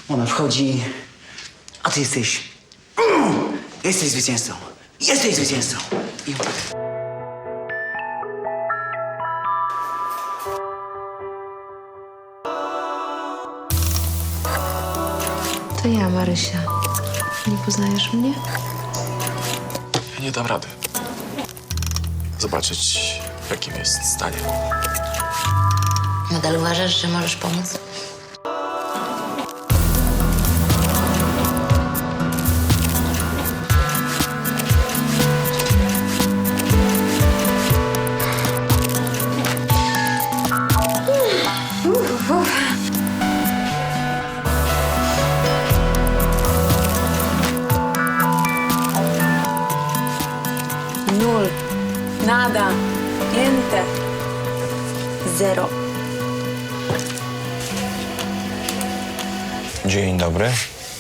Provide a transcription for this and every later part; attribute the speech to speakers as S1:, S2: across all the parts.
S1: Ona wchodzi, a ty jesteś... Jesteś zwycięzcą. Jesteś zwycięzcą. I...
S2: To ja, Marysia. Nie poznajesz mnie?
S3: Ja nie dam rady. Zobaczyć, w jakim jest stanie.
S4: Nadal uważasz, że możesz pomóc?
S5: Nul. Nada. Niente. Zero.
S6: Dzień dobry.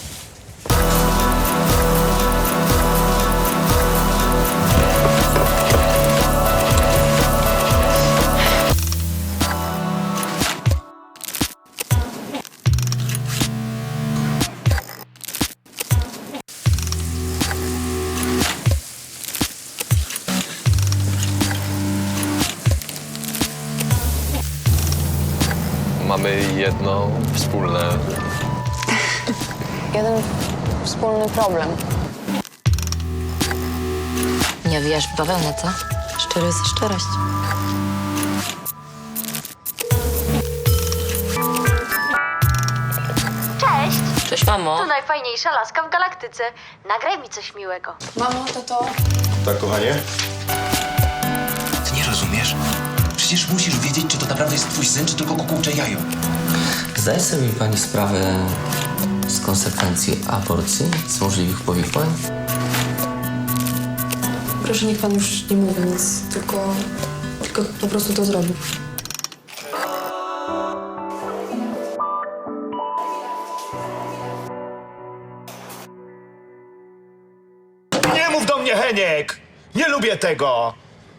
S3: Mamy jedno wspólne...
S5: Jeden wspólny problem.
S4: Nie wijasz w bawełnę, co?
S2: Szczerość jest szczerość.
S7: Cześć!
S4: Cześć, mamo.
S7: To najfajniejsza laska w galaktyce. Nagraj mi coś miłego.
S5: Mamo, tato.
S6: Tak, kochanie?
S8: Ty nie rozumiesz? Przecież musisz wiedzieć, czy to naprawdę jest twój syn, czy tylko kukułcze jajo.
S9: Zdaje sobie pani sprawę z konsekwencji aborcji, z możliwych powikłań?
S2: Proszę, niech pan już nie mówi nic, tylko po prostu to zrobił.
S6: Nie mów do mnie, Heniek! Nie lubię tego!